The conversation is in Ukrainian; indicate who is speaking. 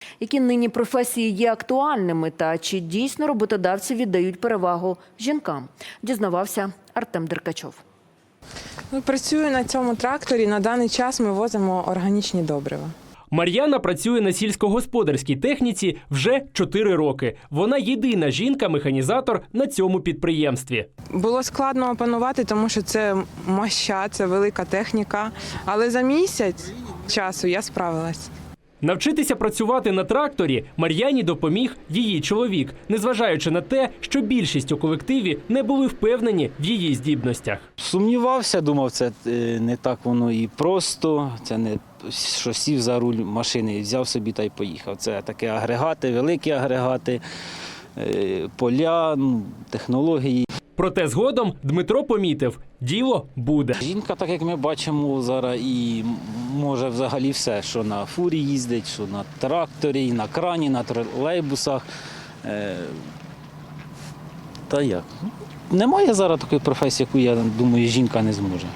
Speaker 1: Які нині професії є актуальними та чи дійсно роботодавці віддають перевагу жінкам, дізнавався Артем Деркачов.
Speaker 2: Працюю на цьому тракторі. На даний час ми возимо органічні добрива.
Speaker 3: Мар'яна працює на сільськогосподарській техніці вже 4 роки. Вона єдина жінка-механізатор на цьому підприємстві.
Speaker 2: Було складно опанувати, тому що це моща, це велика техніка. Але за місяць часу я справилась.
Speaker 3: Навчитися працювати на тракторі Мар'яні допоміг її чоловік, незважаючи на те, що більшість у колективі не були впевнені в її здібностях.
Speaker 4: Сумнівався, думав, це не так воно і просто, це не що сів за руль машини, взяв собі та й поїхав. Це такі агрегати, великі агрегати, поля, технології.
Speaker 3: Проте згодом Дмитро помітив – діло буде.
Speaker 4: Жінка, так як ми бачимо зараз, і може взагалі все, що на фурі їздить, що на тракторі, і на крані, на тролейбусах. Та як? Немає зараз такої професії, яку, я думаю, жінка не зможе.